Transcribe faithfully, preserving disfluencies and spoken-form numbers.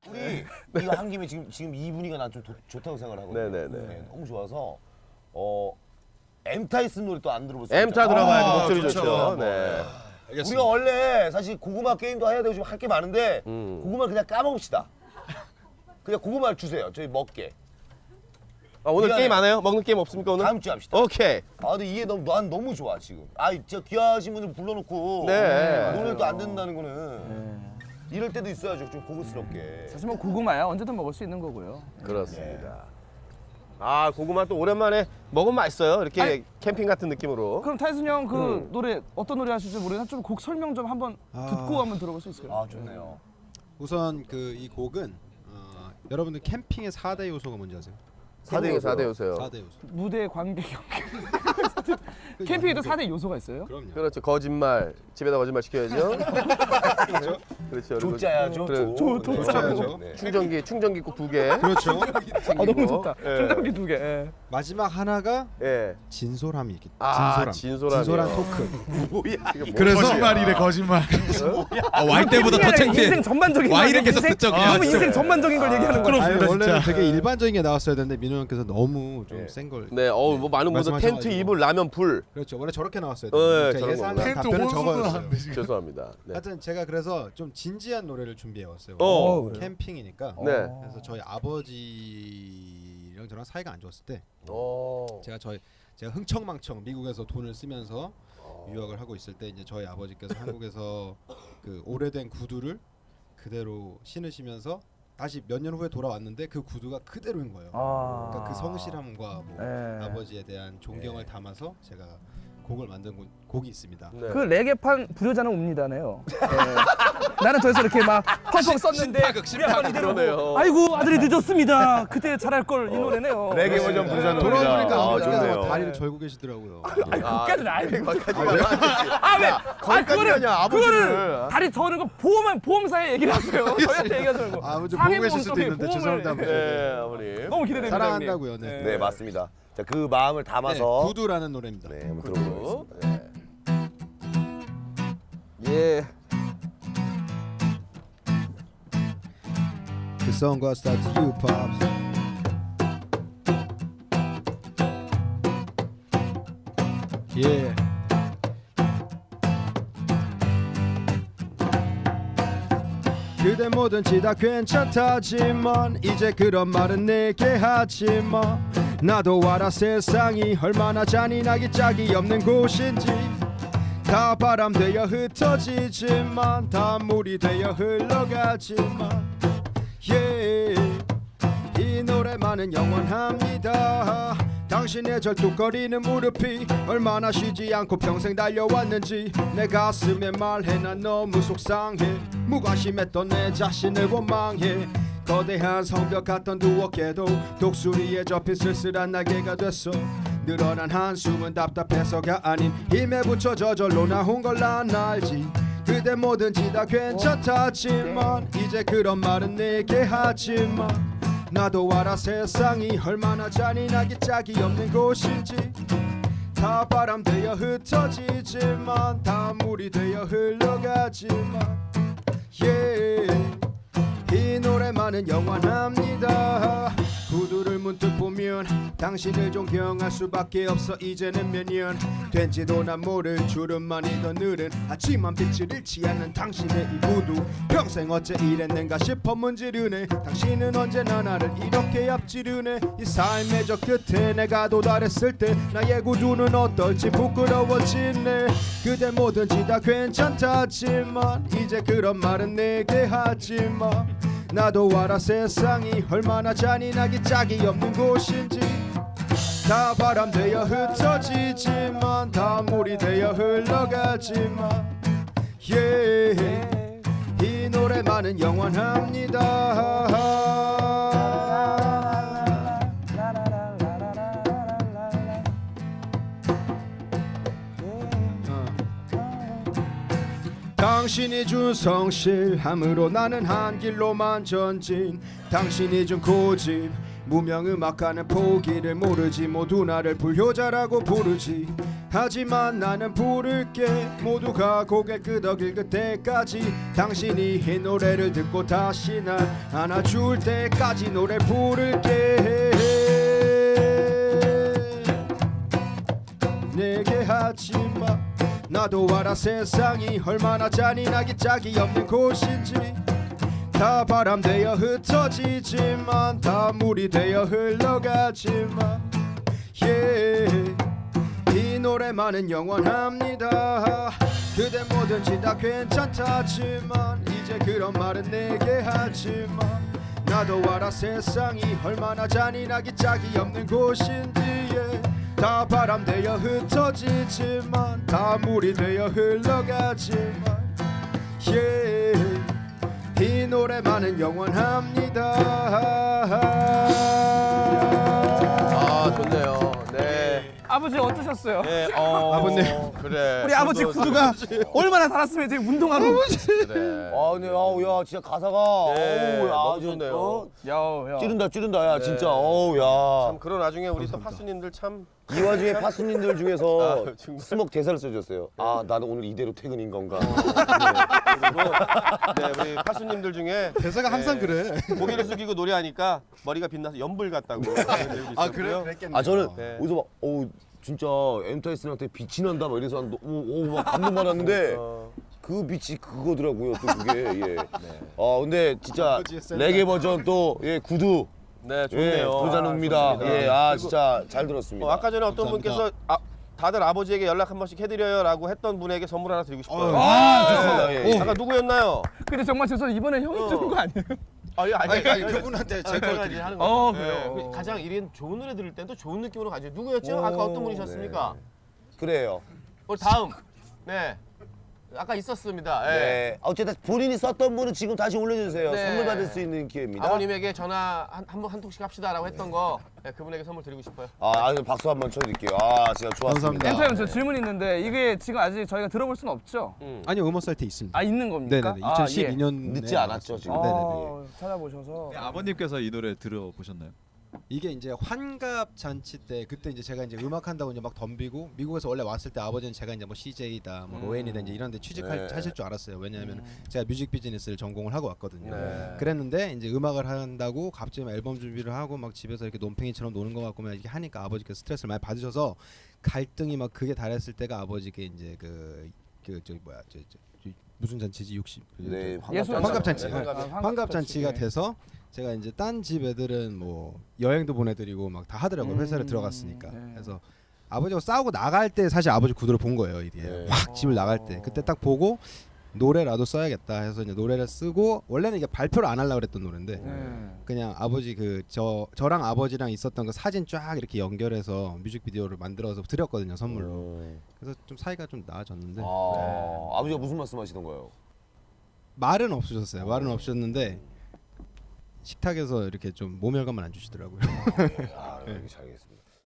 우리 이거 한 김에 지금 지금 이 분위기가 난 좀 좋다고 생각을 하거든요. 네네네. 네, 너무 좋아서 어 엠타이슨 노래 또 안 들어보세요? 엠타 들어봐야지 아, 목소리 좋죠. 좋죠. 네. 알겠습니다. 우리가 원래 사실 고구마 게임도 해야 되고 좀 할 게 많은데 음. 고구마 그냥 까먹읍시다. 그냥 고구마를 주세요. 저희 먹게. 아, 오늘 미안해. 게임 안 해요? 먹는 게임 없습니까 오늘? 다음 주에 합시다. 오케이. 아 근데 이게 너무 난 너무 좋아 지금. 아 진짜 귀하신 분들 불러놓고 네. 노래를 또 안 듣는다는 거는 이럴 때도 있어야죠. 좀 고급스럽게. 사실 뭐 고구마야 언제든 먹을 수 있는 거고요. 그렇습니다. 아 고구마 또 오랜만에 먹으면 맛있어요. 이렇게 아니, 캠핑 같은 느낌으로. 그럼 타이슨 형 그 음. 노래 어떤 노래 하실지 모르겠는데 좀 곡 설명 좀 한번 아. 듣고 한번 들어볼 수 있을까요? 아 좋네요. 우선 그 이 곡은 어, 여러분들 캠핑의 사 대 요소가 뭔지 아세요? 사 대 사 대 요소요. 사 대 요소. 무대 관객 캠핑에도 사 대 요소가 있어요? 그럼요. 그렇죠. 거짓말. 집에다 거짓말 시켜야죠. 그렇죠. 그리고 조짜야죠. 그래. 조. 조- 조짜야죠. 네. 충전기 충전기 꼭 두 개. 그렇죠. 아 너무 좋다. 예. 충전기 두 개. 예. 마지막 하나가 예. 진솔함이 있기. 아, 진솔함. 진솔함이요. 진솔한 토크. 뭐야? 이게 그래서 뭐야? 거짓말이래 거짓말. 아, 와이 때보다 더 캠핑이 아니라 창피해. 인생 전반적인 와이를 거 계속 인생- 듣죠, 그냥. 너무 진짜. 인생 전반적인 걸 얘기하는 거야. 아니, 부끄럽습니다, 원래는 진짜. 되게 일반적인 게 나왔어야 되는데 민호 형께서 너무 좀 예. 센 걸. 네, 어우 뭐 많은 분들 텐트 말씀하셔가지고. 이불 라면 불. 그렇죠. 원래 저렇게 나왔어야 어, 돼요. 예, 제가 저런 예상한 겁니다. 텐트 답변은 혼수도 적어였어요. 하는데 지금. 죄송합니다. 네. 하여튼 제가 그래서 좀 진지한 노래를 준비해 왔어요. 어, 그래요? 캠핑이니까. 네. 그래서 저희 아버지랑 저랑 사이가 안 좋았을 때 어. 제가 저희 제가 흥청망청 미국에서 돈을 쓰면서 유학을 하고 있을 때 이제 저희 아버지께서 한국에서 그 오래된 구두를 그대로 신으시면서 다시 몇 년 후에 돌아왔는데 그 구두가 그대로인 거예요. 아. 그러니까 그 성실함과 뭐 예. 아버지에 대한 존경을 담아서 제가 곡을 만든 곡, 곡이 있습니다. 네. 그 레게판 불효자는 옵니다네요. 예. 나는 저에서 이렇게 막 펑펑 썼는데 신파극, 우리 아빠는 이대로 그러네요. 아이고 아들이 늦었습니다. 그때 잘할 걸 이 노래네요. 레게 네. 버전 부르자는 돌아보니까 노래다. 아, 아버지께서 좋네요. 막 다리를 절고 계시더라고요. 그까지는 알고. 거기까지 아 왜? 아 거기까지 그거를 하냐, 아버지를. 그거를 다리 저는 거 보험 보험사에 얘기를 하세요. 저희한테 얘기하지 말고. 아버지 상해 보고 계실 보험 수도 쪽에 있는데 보험을- 죄송합니다. 네, 아버님. 너무 기대됩니다. 사랑한다고요. 형님. 네. 네 맞습니다. 자 그 마음을 네, 담아서 구두라는 노래입니다. 네 한번 들어보겠습니다. 네. 예. The song goes out to you, pops. Yeah. 그대 뭐든지 다 괜찮다지만 이제 그런 말은 내게 하지마. 나도 알아 세상이 얼마나 잔인하기 짝이 없는 곳인지. 다 바람 되어 흩어지지만 다 물이 되어 흘러가지만 yeah. 이 노래만은 영원합니다. 당신의 절뚝거리는 무릎이 얼마나 쉬지 않고 평생 달려왔는지 내 가슴에 말해. 난 너무 속상해. 무관심했던 내 자신을 원망해. 거대한 성벽 같던 두 어깨도 독수리에 접힌 쓸쓸한 날개가 됐어. 늘어난 한숨은 답답해서가 아닌 힘에 붙여 저절로 나온 걸 난 알지. 그대 뭐든지 다 괜찮다지만 이제 그런 말은 내게 하지마. 나도 알아 세상이 얼마나 잔인하기 짝이 없는 곳인지. 다 바람 되어 흩어지지만 다 물이 되어 흘러가지만 yeah. 이 노래만은 영원합니다. 구두를 문득 보면 당신을 존경할 수밖에 없어. 이제는 몇 년 된지도 난 모를 주름만이 더 늘은 하지만 빛을 잃지 않는 당신의 이 구두. 평생 어째 이랬는가 싶어 문지르네. 당신은 언제나 나를 이렇게 앞지르네. 이 삶의 저 끝에 내가 도달했을 때 나의 구두는 어떨지 부끄러워지네. 그대 뭐든지 다 괜찮다지만 이제 그런 말은 내게 하지마. 나도 알아 세상이 얼마나 잔인하기 짝이 없는 곳인지. 다 바람 되어 흩어지지만 다 물이 되어 흘러가지만 yeah. 이 노래만은 영원합니다. 당신이 준 성실함으로 나는 한 길로만 전진. 당신이 준 고집 무명음악가는 포기를 모르지. 모두 나를 불효자라고 부르지. 하지만 나는 부를게 모두가 고개 끄덕일 그때까지 당신이 이 노래를 듣고 다시 날 안아줄 때까지 노래 부를게 내게 하지마 나도 알아 세상이 얼마나 잔인하기 짝이 없는 곳인지 다 바람 되어 흩어지지만 다 물이 되어 흘러가지만 yeah. 이 노래만은 영원합니다 그대 뭐든지 다 괜찮다지만 이제 그런 말은 내게 하지마 나도 알아 세상이 얼마나 잔인하기 짝이 없는 곳인지 yeah. 다 바람 되어 흩어지지만 다 물이 되어 흘러가지만 yeah. 이 노래만은 영원합니다 아 좋네요. 네. 아버지 어떠셨어요? 네. 어, 아버님. 그래. 우리 아버지 저도 구두가 얼마나 달았으면 지금 운동하러. 그래. 아, 네, 아우, 야, 진짜 가사가. 네, 어우, 야, 너무 진짜, 좋네요. 어? 야, 야. 찌른다, 찌른다, 야, 네. 진짜. 어우, 야. 참 그런 와중에 우리 또 파수님들 참 이 와중에 파수님들 중에서 아, 정말. 스목 대사를 써줬어요. 아, 나는 오늘 이대로 퇴근인 건가. 그리고 네 우리 파수님들 중에 대사가 항상 네, 그래 고개를 숙이고 노래하니까 머리가 빛나서 연불 같다고. 아 그래요? 그랬겠네요 아, 저는 네. 어디서 막, 어우, 진짜 엔터에스한테 빛이 난다, 막 이래서, 한, 오, 오, 막 감동 받았는데. 어, 그 빛이 그거더라고요, 또 그게. 예. 아, 근데 진짜 아버지의 센터. 레게 버전 또, 예, 구두. 네 예, 좋네요. 부르자입니다. 아, 좋습니다. 예, 아, 그리고 진짜 잘 들었습니다. 어, 아까 전에 어떤 감사합니다. 분께서 아, 다들 아버지에게 연락 한 번씩 해드려요라고 했던 분에게 선물 하나 드리고 싶어요. 아, 좋습니다. 예, 예. 아까 누구였나요? 근데 정말 죄송해요. 이번에 형이 어. 주는 거 아니에요? 아, 예, 아니, 아니, 아니 그분한테 제가 제걸 이제 드릴게요 하는 거. 어, 네. 그래요? 가장 이런 좋은 노래 들을 땐 또 좋은 느낌으로 가죠. 누구였죠? 오, 아까 어떤 분이셨습니까? 그래요. 우리 다음. 네. 아까 있었습니다. 예. 네. 어쨌든 본인이 썼던 분은 지금 다시 올려주세요. 네. 선물 받을 수 있는 기회입니다. 아버님에게 전화 한 한 번 한 통씩 합시다라고 했던 거 네, 그분에게 선물 드리고 싶어요. 아, 아주 박수 한번 쳐드릴게요. 아, 진짜 좋았습니다. 감사합니다. 엔터 형, 저 질문 있는데 이게 지금 아직 저희가 들어볼 수는 없죠? 음. 아니요 음원 사이트에 있습니다 아, 있는 겁니까? 네네네 아, 이천십이 년 늦지 않았죠, 지금. 예. 네네네 아, 찾아보셔서. 네, 아버님께서 이 노래 들어보셨나요? 이게 이제 환갑 잔치 때 그때 이제 제가 이제 음악 한다고 이제 막 덤비고 미국에서 원래 왔을 때 아버지는 제가 이제 뭐 씨제이다 뭐 로엔이다 이제 이런 데 취직할 네. 하실 줄 알았어요. 왜냐하면 제가 뮤직 비즈니스를 전공을 하고 왔거든요. 네. 그랬는데 이제 음악을 한다고 갑자기 막 앨범 준비를 하고 막 집에서 이렇게 논팽이처럼 노는 것 같고 막 이렇게 하니까 아버지께 스트레스를 많이 받으셔서 갈등이 막 그게 달했을 때가 아버지께 이제 그 그 저기 뭐야 저, 저, 저 무슨 잔치지 육십 네, 예술 환갑잔치. 네, 네. 환갑. 환갑잔치가 돼서 제가 이제 딴 집 애들은 뭐 여행도 보내드리고 막 다 하더라고요. 회사를 음, 들어갔으니까. 네. 그래서 아버지하고 싸우고 나갈 때 사실 아버지 구두를 본 거예요. 이게 네. 확 집을 나갈 때 그때 딱 보고 노래라도 써야겠다 해서 이제 노래를 쓰고 원래는 이게 발표를 안 하려고 그랬던 노래인데 네. 그냥 아버지 그 저 저랑 아버지랑 있었던 그 사진 쫙 이렇게 연결해서 뮤직비디오를 만들어서 드렸거든요 선물로. 음. 그래서 좀 사이가 좀 나아졌는데 아, 아버지가 무슨 말씀하시던가요? 말은 없으셨어요. 말은 없으셨는데 식탁에서 이렇게 좀 모멸감만 안 주시더라고요. 아, 네. 잘 알겠습니다.